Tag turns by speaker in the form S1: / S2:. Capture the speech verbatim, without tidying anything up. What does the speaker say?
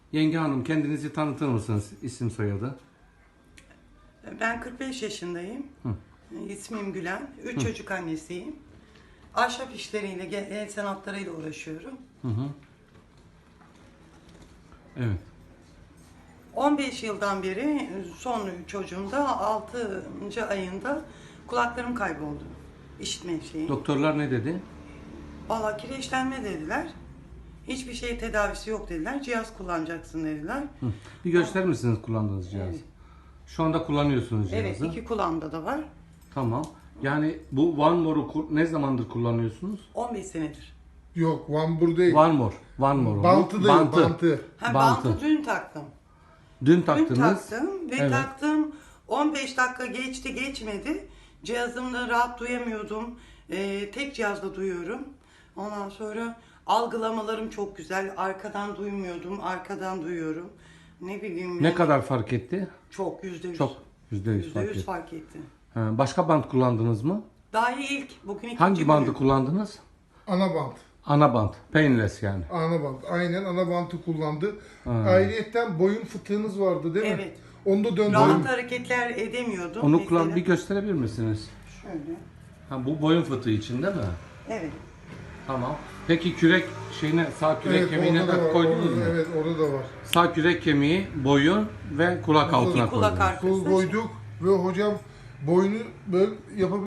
S1: Yenge Hanım, kendinizi tanıtır mısınız? İsim soyadı.
S2: Ben kırk beş yaşındayım.
S1: Hı.
S2: İsmim Gülen. Üç çocuk annesiyim. Ahşap işleriyle, el sanatlarıyla uğraşıyorum.
S1: Hı hı. Evet.
S2: on beş yıldan beri son çocuğumda altıncı ayında kulaklarım kayboldu. İşitme şeyi.
S1: Doktorlar ne dedi?
S2: Valla kireçlenme dediler. Hiçbir şey tedavisi yok dediler. Cihaz kullanacaksın dediler.
S1: Hı. Bir gösterir misiniz kullandığınız cihazı?
S2: Evet.
S1: Şu anda kullanıyorsunuz cihazı.
S2: Evet, iki kulağımda da var.
S1: Tamam. Yani bu One More'u ne zamandır kullanıyorsunuz?
S2: on beş senedir.
S3: Yok, Vambur değil.
S1: One More. One More.
S3: Bantı değil,
S1: Bantı.
S3: bantı.
S2: Ha,
S1: Bantı.
S2: bantı dün taktım.
S1: Dün
S2: Dün
S1: taktınız.
S2: taktım ve
S1: Evet.
S2: taktım. on beş dakika geçti geçmedi. Cihazımda rahat duyamıyordum. Ee, tek cihazda duyuyorum. Ondan sonra algılamalarım çok güzel. Arkadan duymuyordum. Arkadan duyuyorum. Ne bileyim.
S1: Ne
S2: yani
S1: kadar fark etti?
S2: Çok yüzde yüz.
S1: Çok. Yüzde yüz
S2: Yüzde
S1: fark
S2: yüz
S1: etti.
S2: fark etti.
S1: Ha, başka bant kullandınız mı?
S2: Daha iyi ilk. Bugün ikinci
S1: Hangi
S2: günü.
S1: bandı kullandınız?
S3: Ana bant.
S1: Ana bant. Painless yani.
S3: Ana bant. Aynen ana bantı kullandı. Ayrıyetten boyun fıtığınız vardı değil mi?
S2: Evet.
S3: Onu da döndürdüm.
S2: Rahat hareketler edemiyordum.
S1: Onu
S2: Mesela-
S1: kullan bir gösterebilir misiniz?
S2: Şöyle.
S1: Ha, bu boyun fıtığı için değil mi?
S2: Evet.
S1: Tamam. Peki kürek şeyine, sağ kürek
S3: Evet,
S1: kemiğine
S3: orada da
S1: tak
S3: var.
S1: koydunuz
S3: Orada,
S1: mu?
S3: evet, orada da var.
S1: Sağ kürek kemiği, boyun ve kulak altına
S2: kulak
S1: koydunuz.
S2: arkası.
S3: Kol koyduk ve hocam boynu böyle yapabilir.